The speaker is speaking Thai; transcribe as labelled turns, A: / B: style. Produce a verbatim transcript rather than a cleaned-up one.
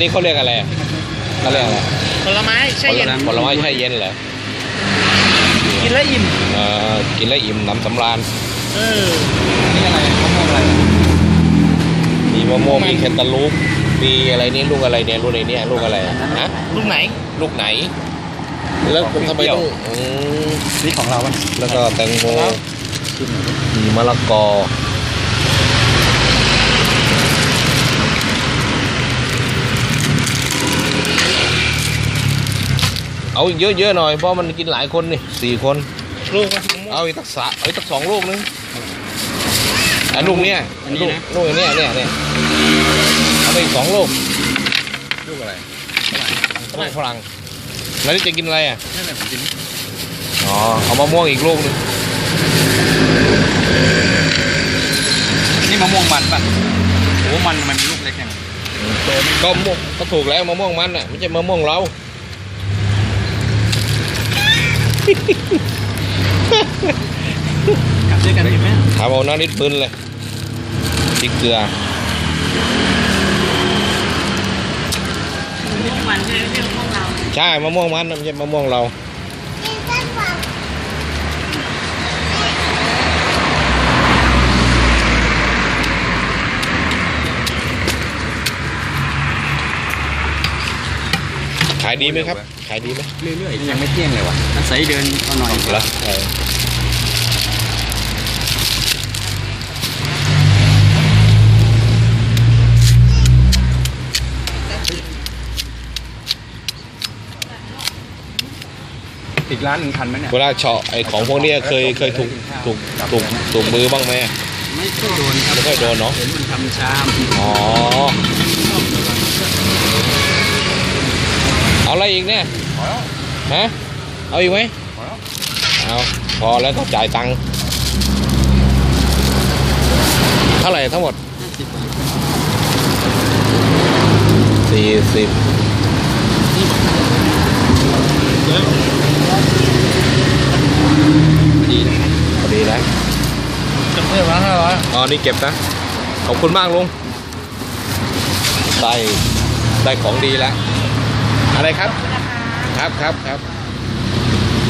A: นี้เขาเรียกอะไรเขาเรียกอะไร
B: ผลไม้แช่เย็น
A: ผลไม้แช่เย็นเหรอ
B: กินแล้วอิ่ม
A: เออกินแล้วอิ่มน้ำสำราญ
B: เออนี่อะไรมะม่วงอะไร
A: มีมะม่วงมีแคนตาลูปมีอะไรนี่ลูกอะไรเนี่ยลูกไหนเนี่ยลูกอะไรฮะ
B: ลูกไหน
A: ลูกไหนแล้วทำไมต้อง
B: นี่ของเรา
A: แล้วก็แตงโมมีมะละกอเอาอีกเยอะๆหน่อยเพราะมันกินหลายคนนี่สี่คน
B: ลูก
A: เอาอีกตักสะเอาอีกตักสองลูกนึงอันลูกเนี้ยลูกลูกเนี้ยเนี่ยเนี่ยเอาไปอีกสองลูกลูกอะไรลูกฝรั่งแล้วนี่จะกินอะไรอ่ะ
B: นั่นแหละผมกิน
A: อ๋อเอามะม่วงอีกลูกนึง
B: นี่มะม่วงมันป่ะโอ้มันมันลูกเล็กยัง
A: ก็ม่วงก็ถูกแล้วมะม่วงมันอ่ะไม่ใช่มะม่วงเรา
B: กลับด้วยกันดีไหม
A: ทำเอาน้ำนิดปืนเลยพริกเกลือ
C: มันใช่ไหมมะม่วงเรา
A: ใช่มะม่วงมันไม่ใช่มะม่วงเราขายดีไหมครับขายดีไหม
B: เรื่อยๆยังไม่เที่ยงเลยวะอาศัยเดินเอาหน่อย
A: ละ
B: อีกร้านหนึ่งทันไหมเนี่ย
A: เวลาเฉาะไอ้ของพวกนี้เคยเคยถูกถูกถูกถูกมือบ้างไหม
B: ไม่ค่อยโดนครับ
A: ไม่ค่อยโดนเนาะ
B: เห็นมันทำชาม
A: อ๋อเอาอะไรอีกเนี่ยฮะเอาอีกไหมเอาพอแล้วก็จ่ายตังค์เท่าไหร่ทั้งหมดสี่สิบ
B: ดีนะ
A: พอดีแล้ว
B: จำเพื่อนมาห้าร้อย
A: อ๋อนี่เก็บนะขอบคุณมากลุงได้ได้ของดีแล้วอะไรครับครับครับครับ